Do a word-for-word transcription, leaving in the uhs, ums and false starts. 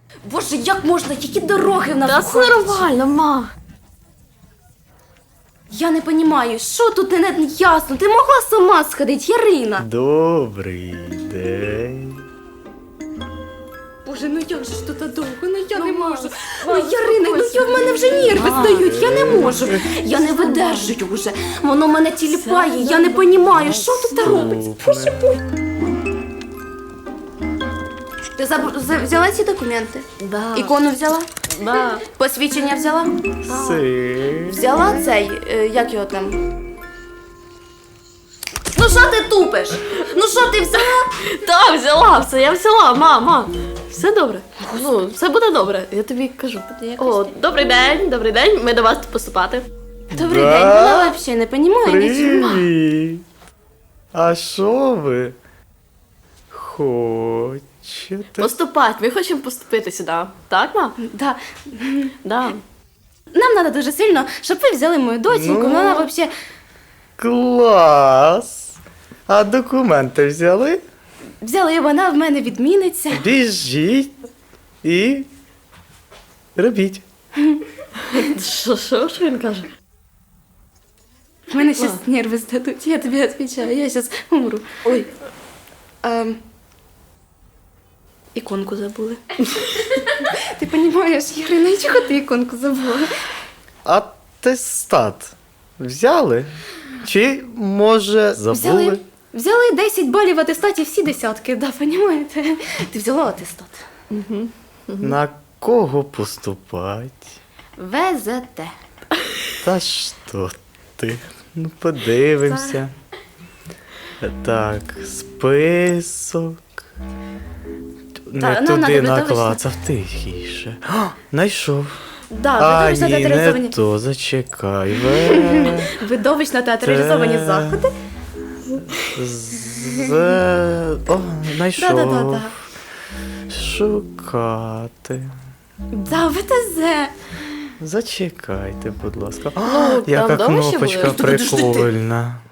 Боже, як можна? Які дороги в нас? Та це нормально, ма. Я не розумію, що тут не, не ясно. Ти могла сама сходити, Ярина. Добрий день. Боже, ну як же ж тут довго? Ну я не можу. Ну, Ярина, ну я в мене вже нерви стають, я не можу. Я не видержую вже. Воно мене тіліпає, я не розумію, що тут робиться. Боже, боже. Ти заб- за- взяла ці документи? Да. Ікону взяла? Да. Посвідчення взяла? Си. Взяла цей, е, як його там? Ну що ти тупиш? Ну що ти взяла? Та, взяла все, я взяла, мама. Все добре. Ну, все буде добре, я тобі кажу. О, добрий день, добрий день, ми до вас поступати. Добрий Да? день, вона взагалі не розуміє нічого. Привіт. А що ви хочете? Поступати, ми хочемо поступити сюди. Так, ма? Да. Да. Нам треба дуже сильно, щоб ви взяли мою доченьку. Ну. Вона взагалі Клас! А документи взяли? взяли, і вона в мене відміниться. Біжіть і робіть. Що, що, що він каже? В мене зараз нерви здадуть, я тобі відповідаю, я зараз умру. Ой. Ем... Іконку забули. Ти розумієш, Ярина, чого ти іконку забула? Атестат взяли? Чи, може, забули? Взяли, взяли десять балів в атестаті, всі десятки, да, розумієте? Ти взяла атестат. На кого поступать? ВЗТ. Та що ти? Ну, подивимося. Так, список. Не Та, ну, туди надо видовищно. наклацав, тихіше. О, знайшов. Да, А, видовищно ні, не театралізовані. то, зачекай. Ве... Видовищно театралізовані Те. заходи. З... О, знайшов. Да-да-да-да. Шукати. Да, ВТЗ. Зачекайте, будь ласка. Ну, Яка там вдома ще кнопочка були? прикольна.